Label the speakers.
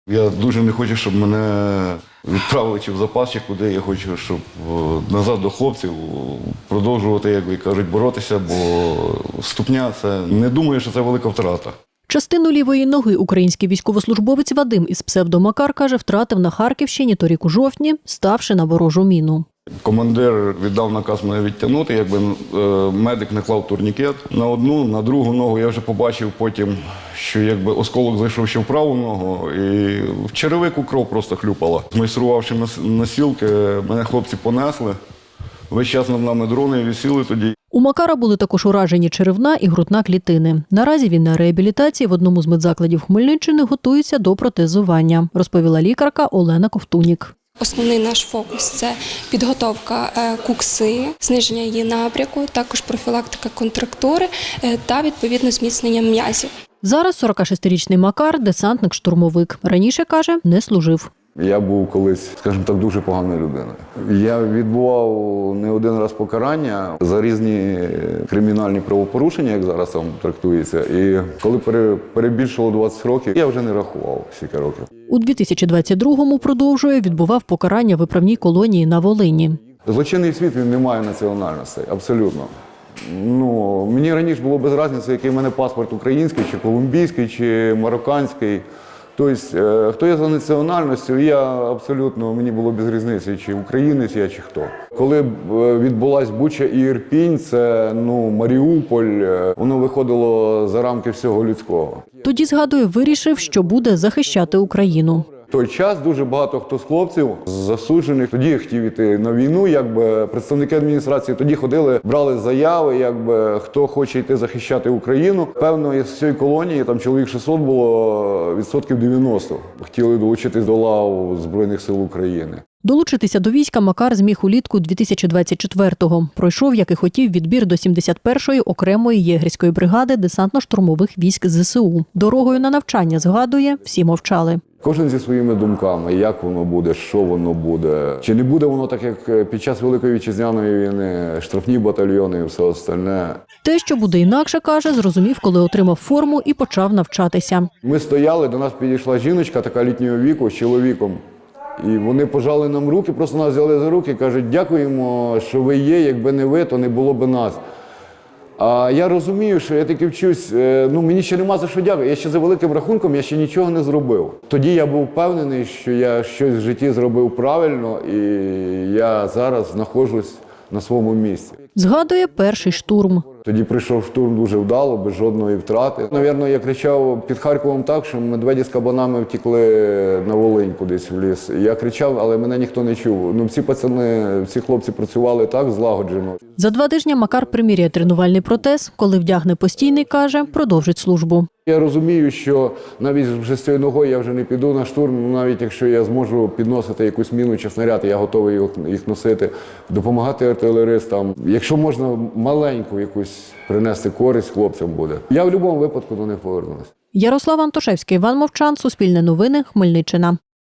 Speaker 1: Я дуже не хочу, щоб мене відправили чи в запас, чи куди. Я хочу, щоб назад до хлопців продовжувати, як ви кажуть, боротися, бо ступня – це не думаю, що це велика втрата.
Speaker 2: Частину лівої ноги український військовослужбовець Вадим із псевдо Макар, каже, втратив на Харківщині торік у жовтні, ставши на ворожу міну.
Speaker 1: Командир віддав наказ мене відтягнути, якби медик не клав турнікет. На одну, на другу ногу я вже побачив потім, що якби осколок зайшов ще в праву ногу, і в черевику кров просто хлюпала. Змайструвавши носілки, мене хлопці понесли. Весь час над нами дрони висіли тоді.
Speaker 2: У Макара були також уражені черевна і грудна клітини. Наразі він на реабілітації в одному з медзакладів Хмельниччини готується до протезування, розповіла лікарка Олена Ковтунік.
Speaker 3: Основний наш фокус – це підготовка кукси, зниження її напряку, також профілактика контрактури та, відповідно, зміцнення м'язів.
Speaker 2: Зараз 46-річний Макар – десантник-штурмовик. Раніше, каже, не служив.
Speaker 1: Я був колись, скажімо так, дуже поганою людиною. Я відбував не один раз покарання за різні кримінальні правопорушення, як зараз там трактується. І коли перебільшило 20 років, я вже не рахував скільки років.
Speaker 2: У 2022-му, продовжує, відбував покарання в виправній колонії на Волині.
Speaker 1: Злочинний світ, він не має національностей, абсолютно. Мені раніше було без різниці, який в мене паспорт український, чи колумбійський, чи марокканський. Тобто, хто я за національністю, мені було без різниці, чи українець я, чи хто. Коли відбулась Буча і Ірпінь, це Маріуполь, воно виходило за рамки всього людського.
Speaker 2: Тоді, згадує, вирішив, що буде захищати Україну.
Speaker 1: В той час дуже багато хто з хлопців засуджених тоді хотів іти на війну, представники адміністрації тоді ходили, брали заяви, хто хоче йти захищати Україну. Певно, з цієї колонії, там чоловік 600 було, відсотків 90 хотіли долучитись до лав Збройних сил України.
Speaker 2: Долучитися до війська Макар зміг улітку 2024-го. Пройшов, як і хотів, відбір до 71-ї окремої єгерської бригади десантно-штурмових військ ЗСУ. Дорогою на навчання, згадує, всі мовчали.
Speaker 1: Кожен зі своїми думками, як воно буде, що воно буде. Чи не буде воно так, як під час Великої Вітчизняної війни, штрафні батальйони і все остальне.
Speaker 2: Те, що буде інакше, каже, зрозумів, коли отримав форму і почав навчатися.
Speaker 1: Ми стояли, до нас підійшла жіночка така літнього віку з чоловіком. І вони пожали нам руки, просто нас взяли за руки і кажуть, дякуємо, що ви є, якби не ви, то не було б нас. А я розумію, що я таки вчусь, мені ще нема за що дякувати. Я ще за великим рахунком, я ще нічого не зробив. Тоді я був впевнений, що я щось в житті зробив правильно, і я зараз знаходжусь на своєму місці.
Speaker 2: Згадує перший штурм.
Speaker 1: Тоді прийшов штурм дуже вдало, без жодної втрати. Навірно, я кричав під Харковом так, що медведі з кабанами втекли на Волинь кудись в ліс. Я кричав, але мене ніхто не чув. Всі хлопці працювали так злагоджено.
Speaker 2: За 2 тижні Макар приміряє тренувальний протез. Коли вдягне постійний, каже, продовжить службу.
Speaker 1: Я розумію, що навіть вже з цією ногою я вже не піду на штурм, навіть якщо я зможу підносити якусь міну чи снаряд, я готовий їх носити, допомагати артилеристам. Якщо можна маленьку якусь принести користь хлопцям буде. Я в будь-якому випадку до них повернусь.
Speaker 2: Ярослав Антошевський, Іван Мовчан, Суспільне новини, Хмельниччина.